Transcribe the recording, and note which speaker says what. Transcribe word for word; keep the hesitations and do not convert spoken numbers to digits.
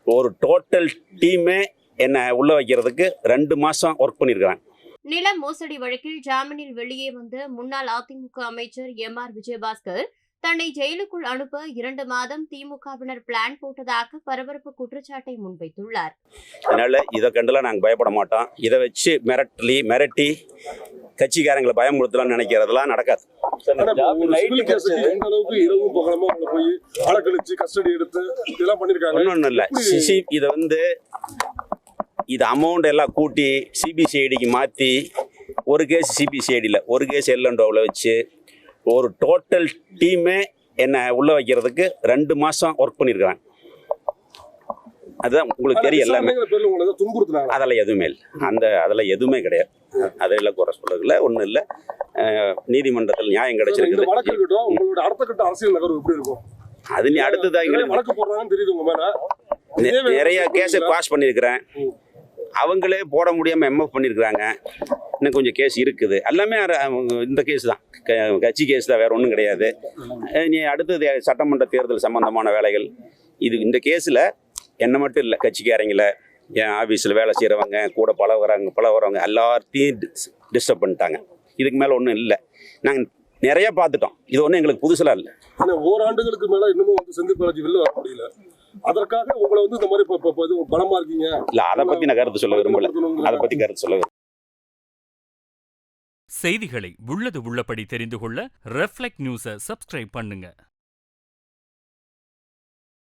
Speaker 1: ஒரு டோட்டல் டீமே என்னை உள்ள வைக்கிறதுக்கு ரெண்டு மாசம் ஒர்க் பண்ணியிருக்கிறாங்க.
Speaker 2: நில மோசடி வழக்கில் ஜாமீனில் வெளியே வந்த முன்னாள் அதிமுக அமைச்சர் எம் ஆர் விஜயபாஸ்கர் தன்னை ஜெயிலுக்குள் அனுப்ப இரண்டு மாதம் திமுகவினர் பிளான் போட்டதாக பரபரப்பு குற்றச்சாட்டை முன்வைத்துள்ளார்.
Speaker 1: அதனால இதை கண்டுலாம் நாங்கள் பயப்பட மாட்டோம். இதை வச்சு மிரட்டலி மிரட்டி கட்சிக்காரங்களை பயமுறுத்தலாம்னு நினைக்கிறதெல்லாம் நடக்காது. ஒன்றும் இல்லை, சிசி இதை வந்து இது அமௌண்ட் எல்லாம் கூட்டி சிபிசிஐடிக்கு மாற்றி ஒரு கேஸ் சிபிசிஐடியில் ஒரு கேஸ் எல்என்டோவில் வச்சு ஒரு டோட்டல் டீமே என்னை உள்ள வைக்கிறதுக்கு ரெண்டு மாதம் ஒர்க் பண்ணியிருக்கிறாங்க. அதுதான் உங்களுக்கு தெரியும். எல்லாமே அதெல்லாம் எதுவுமே இல்லை, அந்த அதெல்லாம் எதுவுமே கிடையாது. அதெல்லாம் குறை சொல்றதுல ஒன்றும் இல்லை. நீதிமன்றத்தில் நியாயம் கிடைச்சிருக்குது. அது நீ அடுத்ததாக நிறைய கேஸை பாஸ் பண்ணியிருக்கிறேன். அவங்களே போட முடியாமல் எம்எஃப் பண்ணியிருக்கிறாங்க. இன்னும் கொஞ்சம் கேஸ் இருக்குது. எல்லாமே இந்த கேஸ் தான், கட்சி கேஸ் தான், வேற ஒன்றும் கிடையாது. நீ அடுத்தது சட்டமன்ற தேர்தல் சம்பந்தமான வேலைகள். இது இந்த கேஸில் என்ன மட்டும் இல்லை, கட்சிக்காரங்கள, என் ஆஃபீஸில் வேலை செய்கிறவங்க, கூட பழகுறாங்க பழகுறவங்க எல்லாத்தையும் டிஸ்டர்ப் பண்ணிட்டாங்க. இதுக்கு மேலே ஒன்றும் இல்லை. நாங்கள் நிறைய பார்த்துட்டோம். இது ஒன்றும் எங்களுக்கு புதுசெல்லாம் இல்லை.
Speaker 3: ஓராண்டுகளுக்கு மேலே இன்னமும் வந்து செந்தில் பாலாஜி வெளில வர முடியல. அதற்காக உங்களை வந்து இந்த மாதிரி பலமா இருக்கீங்க.
Speaker 1: இல்லை, அதை பற்றி நான் கருத்து சொல்ல விரும்பல. அதை பற்றி கருத்து சொல்ல விரும்பல.
Speaker 4: செய்திகளை உள்ளது உள்ளபடி தெரிந்து கொள்ள ரெஃப்ளெக்ட் நியூஸை சப்ஸ்கிரைப் பண்ணுங்க.